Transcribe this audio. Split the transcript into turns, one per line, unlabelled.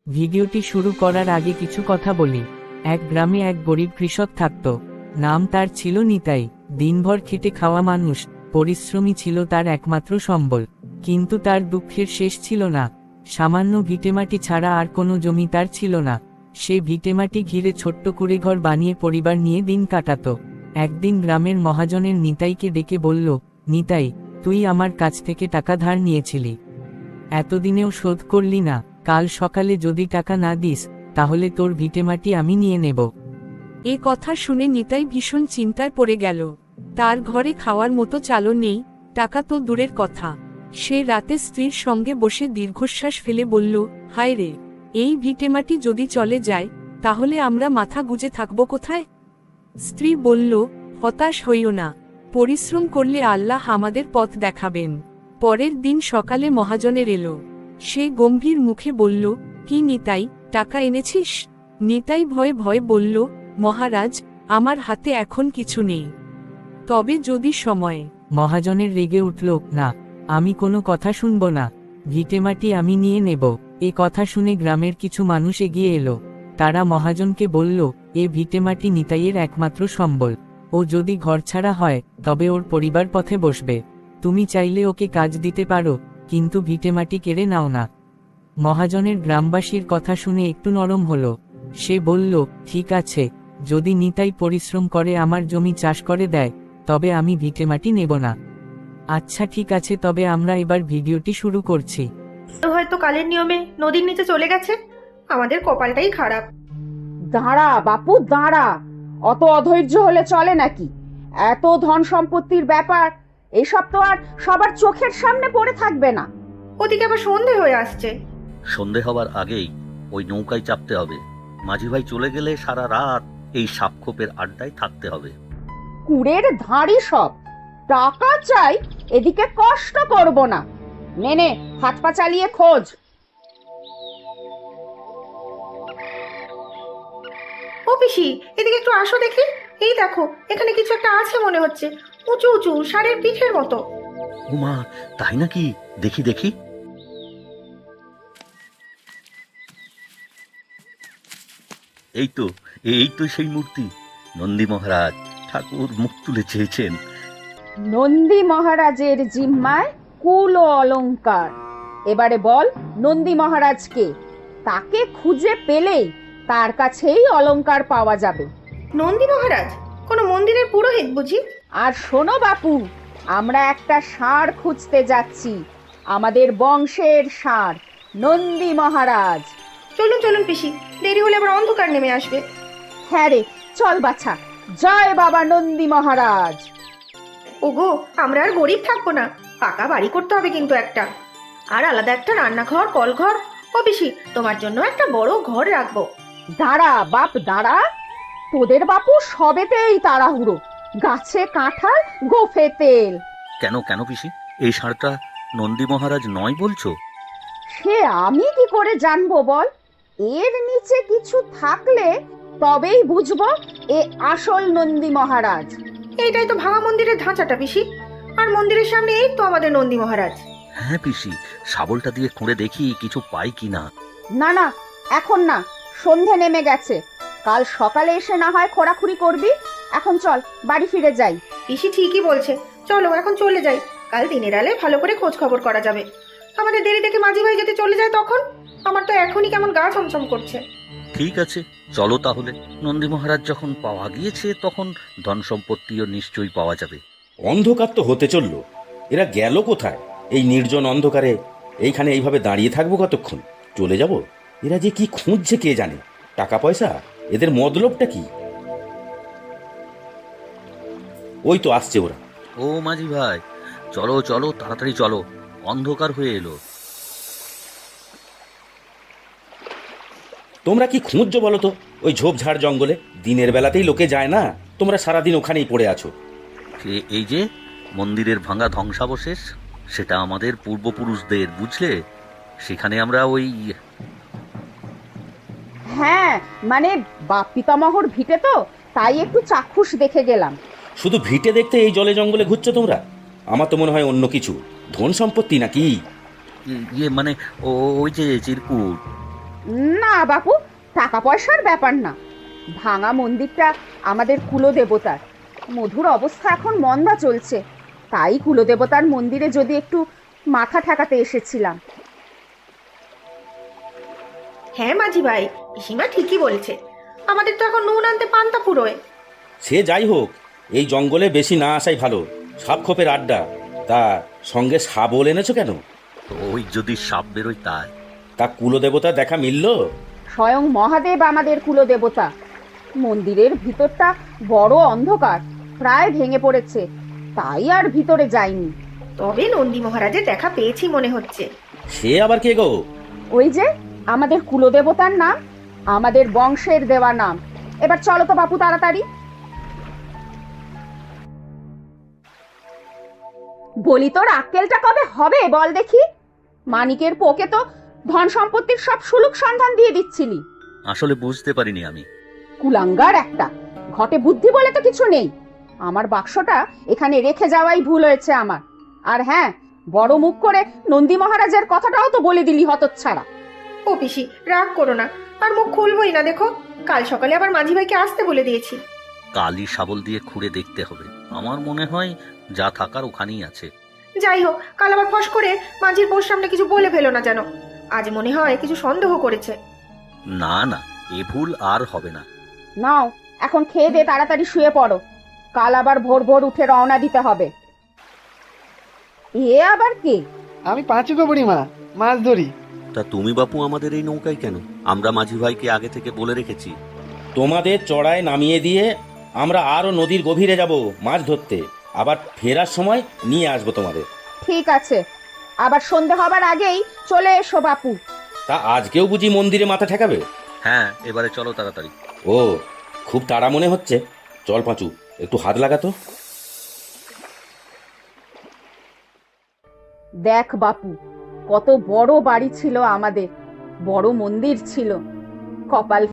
ভিডিওটি শুরু করার আগে কিছু কথা বলি। এক গ্রামে এক গরিব কৃষক থাকত। নাম তার ছিল নিতাই। দিনভর খেটে খাওয়া মানুষ, পরিশ্রমী ছিল তার একমাত্র সম্বল। কিন্তু তার দুঃখের শেষ ছিল না। সামান্য ভিটেমাটি ছাড়া আর কোনো জমি তার ছিল না। সে ভিটেমাটি ঘিরে ছোট্ট কুঁড়েঘর বানিয়ে পরিবার নিয়ে দিন কাটাত। একদিন গ্রামের মহাজনের নিতাইকে ডেকে বলল, নিতাই, তুই আমার কাছ থেকে টাকা ধার নিয়েছিলি, এতদিনেও শোধ করলি না। কাল সকালে যদি টাকা না দিস, তাহলে তোর ভিটেমাটি আমি নিয়ে নেব।
এ কথা শুনে নিতাই ভীষণ চিন্তায় পড়ে গেল। তার ঘরে খাওয়ার মতো চালও নেই, টাকা তো দূরের কথা। সে রাতে স্ত্রীর সঙ্গে বসে দীর্ঘশ্বাস ফেলে বলল, হায় রে, এই ভিটেমাটি যদি চলে যায়, তাহলে আমরা মাথা গুজে থাকব কোথায়? স্ত্রী বলল, হতাশ হইও না, পরিশ্রম করলে আল্লাহ আমাদের পথ দেখাবেন। পরের দিন সকালে মহাজনের এলো। সে গম্ভীর মুখে বলল, কি নিতাই, টাকা এনেছিস? নিতাই ভয়ে ভয়ে বলল, মহারাজ, আমার হাতে এখন কিছু নেই, তবে যদি সময়ে।
মহাজনের রেগে উঠল, না, আমি কোনো কথা শুনব না, ভিটেমাটি আমি নিয়ে নেব। এ কথা শুনে গ্রামের কিছু মানুষ এগিয়ে এলো। তারা মহাজনকে বলল, এ ভিটেমাটি নিতাইয়ের একমাত্র সম্বল। ও যদি ঘরছাড়া হয়, তবে ওর পরিবার পথে বসবে। তুমি চাইলে ওকে কাজ দিতে পারো, কিন্তু ভিটেমাটি কেড়ে নাও না। মহাজনের গ্রামবাসীর কথা শুনে একটু নরম হলো। সে বলল, ঠিক আছে, যদি নিতাই পরিশ্রম করে আমার জমি চাষ করে দেয়, তবে আমি ভিটেমাটি নেব না। আচ্ছা ঠিক আছে, তবে আমরা এবার ভিডিওটি শুরু করছি।
হয়তো কালের নিয়মে নদীর নিচে চলে গেছে। আমাদের কপালটাই খারাপ।
দাঁড়া বাপু, দাঁড়া। অত অধৈর্য হলে চলে নাকি? এত ধন সম্পত্তির ব্যাপার, এসব তো আর সবার চোখের সামনে পড়ে থাকবে না।
ওদিকে আবার সন্ধে হয়ে আসছে।
সন্ধে হবার আগেই ওই নৌকায় চাপতে হবে। মাঝি ভাই চলে গেলে সারা রাত এই সাপখোপের আড্ডায় থাকতে হবে।
কুড়ের ধাড়ি সব, টাকা চাই, এদিকে কষ্ট করব না। নে নে, হাত পা চালিয়ে খোঁজ।
ও পিসি, এদিকে একটু আসো দেখি। এই দেখো, এখানে কিছু একটা আছে মনে হচ্ছে, উঁচু উঁচু ষাঁড়ের পিঠের মতো।
উমা, তাই নাকি? দেখি দেখি। এই তো, এই তো সেই মূর্তি। নন্দী মহারাজ, ঠাকুর মুখ তুলে চেয়েছেন।
নন্দী মহারাজের জিম্মায় কুল ও অলংকার। এবারে বল, নন্দী মহারাজকে, তাকে খুঁজে পেলেই তার কাছেই অলংকার পাওয়া যাবে।
নন্দী মহারাজ কোনো মন্দিরের পুরোহিত বুঝি?
আর শোনো বাপু, আমরা একটা ষাঁড় খুঁজতে যাচ্ছি, আমাদের বংশের ষাঁড়, নন্দী মহারাজ।
চলুন চলুন পিসি, দেরি হলে আবার অন্ধকার নেমে আসবে।
হ্যাঁ রে, চল বাছা। জয় বাবা নন্দী মহারাজ।
ওগো, আমরা আর গরিব থাকবো না, পাকা বাড়ি করতে হবে কিন্তু একটা, আর আলাদা একটা রান্নাঘর, কলঘর। ও পিসি, তোমার জন্য একটা বড় ঘর রাখবো।
দাঁড়া বাপ, দাঁড়া। তোদের বাপু সবেতেই তাড়াহুড়ো, গাছে কাঁঠাল, গোফে তেল।
কেন কেন পিসি, এই ষাঁড়টা নন্দী মহারাজ নয় বলছো?
সে আমি কি করে জানবো বল? এর নিচে কিছু থাকলে তবেই বুঝবো এ আসল নন্দী মহারাজ।
এইটাই তো ভাঙা মন্দিরের ধাঁচাটা পিসি, আর মন্দিরের সামনে এই তো আমাদের নন্দী মহারাজ।
হ্যাঁ পিসি, শাবলটা দিয়ে খুঁড়ে দেখি কিছু পাই কিনা।
না না, এখন না, সন্ধে নেমে গেছে। কাল সকালে এসে না হয় খোঁড়াখুড়ি করবি। এখন চল, বাড়ি ফিরে যাই।
পিসি ঠিকই বলছে, চলো এখন চলে যাই। কাল দিনের আলে ভালো করে খোঁজ খবর করা যাবে। আমাদের দেরি দেখে মাঝি ভাই যদি চলে যায় তখন? আমার তো এখনই কেমন গা ছমছম করছে।
ঠিক আছে, চলো তাহলে। নন্দী মহারাজ যখন পাওয়া গিয়েছে, তখন ধন সম্পত্তিও নিশ্চয়ই পাওয়া যাবে।
অন্ধকার তো হতে চললো, এরা গেল কোথায়? এই নির্জন অন্ধকারে এইখানে এইভাবে দাঁড়িয়ে থাকবো কতক্ষণ? চলে যাব? এরা যে কি খুঁজছে কে জানে। টাকা পয়সা, এদের মতলবটা কি? ওই তো আসছে ওরা।
ও মাঝি ভাই, চলো চলো, তাড়াতাড়ি চলো, অন্ধকার হয়ে এলো।
তোমরা কি খুঁজছো বলো তো ওই ঝোপঝাড় জঙ্গলে? দিনের বেলাতেই লোকে যায় না, তোমরা সারাদিন ওখানেই পড়ে আছো।
এই যে মন্দিরের ভাঙা ধ্বংসাবশেষ, সেটা আমাদের পূর্বপুরুষদের, বুঝলে? সেখানে আমরা ওই
হ্যাঁ, মানে বাপ পিতামহর ভিটে তো, তাই একটু চাক্ষুষ দেখে গেলাম।
শুধু ভিটে দেখতে এই জলে জঙ্গলে ঘুরছো তোমরা? আমার তো মনে হয় অন্য কিছু, ধন সম্পত্তি নাকি।
মানে ওই যে চিরকুট।
না বাপু, টাকা পয়সার ব্যাপার না। ভাঙা মন্দিরটা আমাদের কুলদেবতার। মধুর অবস্থা এখন মন্দা চলছে, তাই কুলদেবতার মন্দিরে যদি একটু মাথা ঠেকাতে এসেছিলাম।
হ্যাঁ মাঝি ভাই, পিসিমা ঠিকই বলেছে। আমাদের তো এখন নুন আনতে পান্তা ফুরোয়।
সে যাই হোক, এই জঙ্গলে বেশি না আসাই ভালো। সাপ খোপের আড্ডা। তা সঙ্গে শাবল এনেছো কেন?
ওই যদি সাপ বেরোয় তাই।
তা কুলদেবতা দেখা মিলল?
স্বয়ং মহাদেব আমাদের কুলদেবতা। মন্দিরের ভিতরটা বড় অন্ধকার, প্রায় ভেঙে পড়েছে, তাই আর ভিতরে যাইনি।
তবে নন্দী মহারাজের দেখা পেয়েছি মনে হচ্ছে।
সে আবার কে গো?
ওই যে আমাদের কুলদেবতার নাম, আমাদের বংশের দেওয়া নাম। এবার চলো তো বাপু তাড়াতাড়ি। বলি তোর আক্কেলটা কবে হবে বল দেখি? মানিকের পোকে তো ধন সম্পত্তির সব সুলুক সন্ধান দিয়ে দিচ্ছিলি।
আসলে বুঝতে পারিনি আমি।
কুলাঙ্গার একটা, ঘটে বুদ্ধি বলে তো কিছু নেই। আমার বাক্সটা এখানে রেখে যাওয়াই ভুল হয়েছে আমার। আর হ্যাঁ, বড় মুখ করে নন্দী মহারাজের কথাটাও তো বলে দিলি হতচ্ছাড়া।
ও পিসি, রাগ করো না, আর মুখ খুলবই না। দেখো, কাল সকালে আবার মাঝি ভাইকে আসতে বলে দিয়েছি।
কালি শাবল দিয়ে খুঁড়ে দেখতে হবে। আমার মনে হয় যা থাকার ওখানেই আছে।
যাই হোক, কাল আবার ফস করে মাঝির পোর সামনে কিছু বলে ফেলো না যেন। আজ মনে হয় কিছু সন্দেহ করেছে।
না না, এ ভুল আর হবে না।
নাও, এখন খেয়ে দে, তাড়াতাড়ি শুয়ে পড়ো। কাল আবার ভোর ভোর উঠে রওনা দিতে হবে। এ আবার কে?
আমি পাঁচু গো বুড়িমা, মাছ ধরি।
তা তুমি বাপু আমাদের এই নৌকায় কেন? আমরা মাঝি ভাইকে আগে থেকে বলে রেখেছি।
তোমাদের চড়ায় নামিয়ে দিয়ে আমরা আরো নদীর গভীরে যাব মাছ ধরতে। আবার ফেরার সময় নিয়ে আসবো তোমাদের।
ঠিক আছে, আবার সন্ধে হবার আগেই চলে এসো বাপু।
তা আজকেও বুঝি মন্দিরে মাথা ঠেকাবে?
হ্যাঁ, এবারে চলো তাড়াতাড়ি।
ও, খুব তাড়া মনে হচ্ছে। চল পাঁচু, একটু হাত লাগাতো।
দেখ বাপু, কত বড় বাড়ি ছিল আমাদের, বড় মন্দির ছিল। কপাল